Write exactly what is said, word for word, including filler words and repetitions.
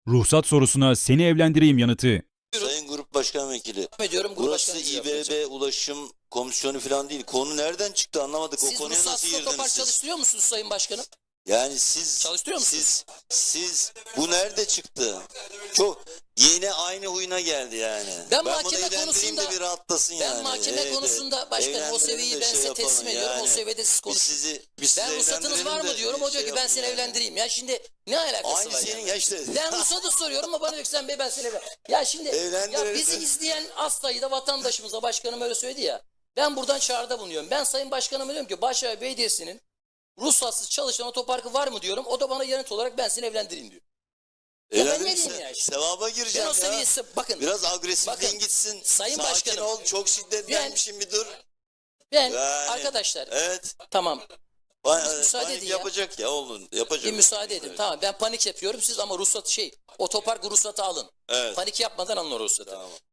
Ruhsat sorusuna seni evlendireyim yanıtı. Sayın Grup Başkan Vekili, Ediyorum, Grup burası Başkanı İBB Ulaşım Komisyonu falan değil. Konu nereden çıktı anlamadık. Siz o konuya nasıl ruhsatsız girdiniz otopark siz? çalıştırıyor musunuz Sayın Başkanım? Yani siz, Çalıştırıyor musunuz? siz, siz bu nerede çıktı? Çok yine aynı huyuna geldi yani. Ben bunu mahkeme evlendireyim konusunda- de bir rahatlasın Ben yani. mahkeme Evet, konusunda başkanım o evlendirelim seviyeyi de ben şey size yapalım teslim ediyorum. yani. O seviyede siz Biz konuşun. sizi, biz sizi Ben ruhsatınız evlendirelim var mı de diyorum. O diyor şey ki ben yapın seni yani. evlendireyim. Ya şimdi ne alakası Aynı var senin yani? ya işte. Ben ruhsatı soruyorum ama bana diyor ki sen bey ben seni evlen. Ya şimdi ya Evlendiririz. bizi izleyen az sayıda vatandaşımıza başkanım öyle söyledi ya. Ben buradan çağrıda bulunuyorum. Ben Sayın Başkanıma diyorum ki Başakşehir Belediyesi'nin ruhsatsız çalışan otoparkı var mı diyorum. O da bana yanıt olarak ben seni evlendireyim diyor. Ya ben ne Evlendirirse diyeyim ya işte? sevaba Ben gireceğim o ya. seviyesi bakın. Biraz agresifliğin Bakın, gitsin. Sayın Sakin Başkanım, ol. Çok şiddetlenmişim bir dur. Ben Yani, arkadaşlar Evet. tamam Ba- müsaade panik edin ya. yapacak ya oğlum. Yapacak. bir müsaade edin. Tamam ben panik yapıyorum siz ama ruhsat şey otopark ruhsatı alın. Evet. Panik yapmadan alın o ruhsatı. Tamam.